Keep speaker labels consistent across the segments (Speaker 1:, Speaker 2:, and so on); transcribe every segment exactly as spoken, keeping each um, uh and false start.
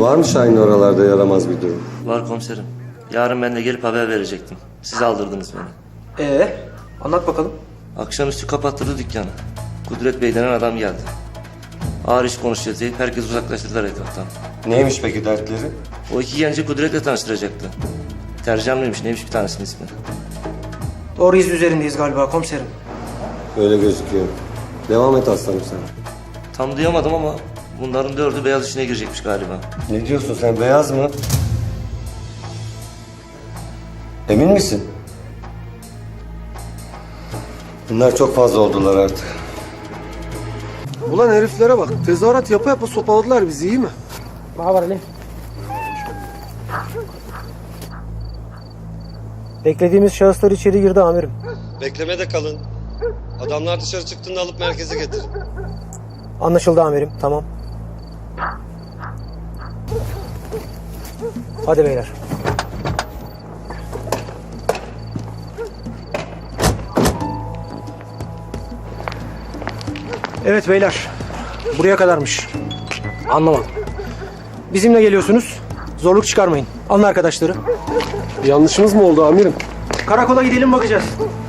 Speaker 1: Var mı Şahin'le oralarda yaramaz bir durum?
Speaker 2: Var komiserim. Yarın ben de gelip haber verecektim. Siz aldırdınız beni.
Speaker 3: Ee, anlat bakalım.
Speaker 2: Akşamüstü kapattırdı dükkanı. Kudret Bey denen adam geldi. Ağır iş konuşacağız deyip herkes uzaklaştırdılar etraftan.
Speaker 1: Neymiş peki dertleri?
Speaker 2: O iki genci Kudret'le tanıştıracaktı. Tercan mıymış neymiş bir tanesinin ismi.
Speaker 3: Doğru iz üzerindeyiz galiba komiserim.
Speaker 1: Öyle gözüküyor. Devam et aslanım sen.
Speaker 2: Tam duyamadım ama bunların dördü beyaz işine girecekmiş galiba.
Speaker 1: Ne diyorsun sen, beyaz mı? Emin misin? Bunlar çok fazla oldular artık.
Speaker 4: Ulan heriflere bak. Tezahürat yapa yapa sopaladılar bizi, iyi mi?
Speaker 3: Ne var Ali? Beklediğimiz şahıslar içeri girdi amirim.
Speaker 1: Beklemede kalın. Adamlar dışarı çıktığında alıp merkeze getir.
Speaker 3: Anlaşıldı amirim, tamam. Hadi beyler. Evet beyler, buraya kadarmış. Anlamadım. Bizimle geliyorsunuz, zorluk çıkarmayın. Alın arkadaşları.
Speaker 4: Yanlışımız mı oldu amirim?
Speaker 3: Karakola gidelim bakacağız.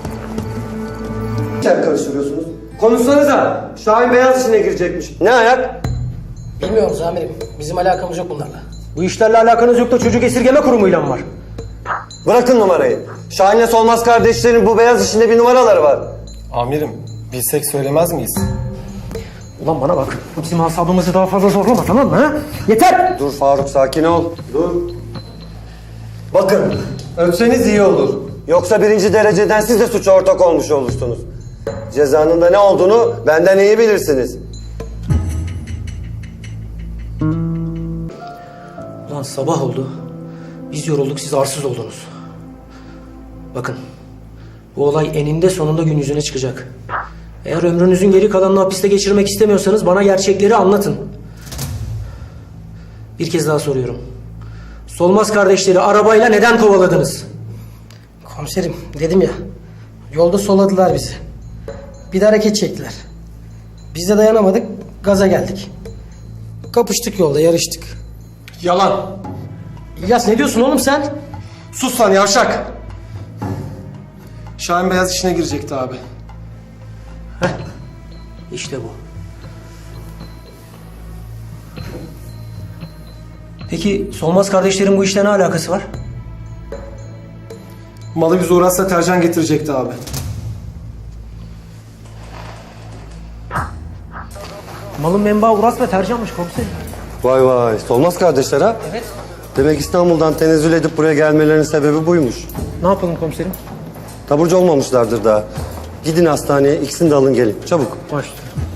Speaker 1: Sen karıştırıyorsunuz. Konuşsanıza. Şahin beyaz işine girecekmiş. Ne ayak?
Speaker 5: Bilmiyoruz amirim. Bizim alakamız yok bunlarla.
Speaker 3: Bu işlerle alakanız yok da çocuk esirgeme kurumuyla mı var?
Speaker 1: Bırakın numarayı. Şahin'le Solmaz kardeşlerin bu beyaz işinde bir numaraları var.
Speaker 6: Amirim, bilsek söylemez miyiz?
Speaker 3: Ulan bana bak, bizim asabımızı daha fazla zorlama, tamam mı ha? Yeter!
Speaker 1: Dur Faruk, sakin ol. Dur. Bakın, öpseniz iyi olur. Yoksa birinci dereceden siz de suça ortak olmuş olursunuz. Cezanın da ne olduğunu benden iyi bilirsiniz.
Speaker 3: Ulan sabah oldu. Biz yorulduk, siz arsız oldunuz. Bakın, bu olay eninde sonunda gün yüzüne çıkacak. Eğer ömrünüzün geri kalanını hapiste geçirmek istemiyorsanız bana gerçekleri anlatın. Bir kez daha soruyorum. Solmaz kardeşleri arabayla neden kovaladınız?
Speaker 5: Komiserim dedim ya. Yolda soladılar bizi. Bir de hareket çektiler. Biz de dayanamadık. Gaza geldik. Kapıştık yolda, yarıştık.
Speaker 6: Yalan.
Speaker 3: İlyas ne diyorsun oğlum sen?
Speaker 6: Sus lan yavşak. Şahin beyaz işine girecekti abi.
Speaker 3: İşte bu. Peki Solmaz kardeşlerin bu işle ne alakası var?
Speaker 6: Malı biz uğratsa tercan getirecekti abi.
Speaker 3: Malın menbaı Uras ve Tercan'mış komiserim.
Speaker 1: Vay vay, Solmaz kardeşler ha?
Speaker 3: Evet.
Speaker 1: Demek İstanbul'dan tenezzül edip buraya gelmelerinin sebebi buymuş.
Speaker 3: Ne yapalım komiserim?
Speaker 1: Taburcu olmamışlardır daha. Gidin hastaneye, ikisini de alın gelin. Çabuk.
Speaker 3: Başüstüne.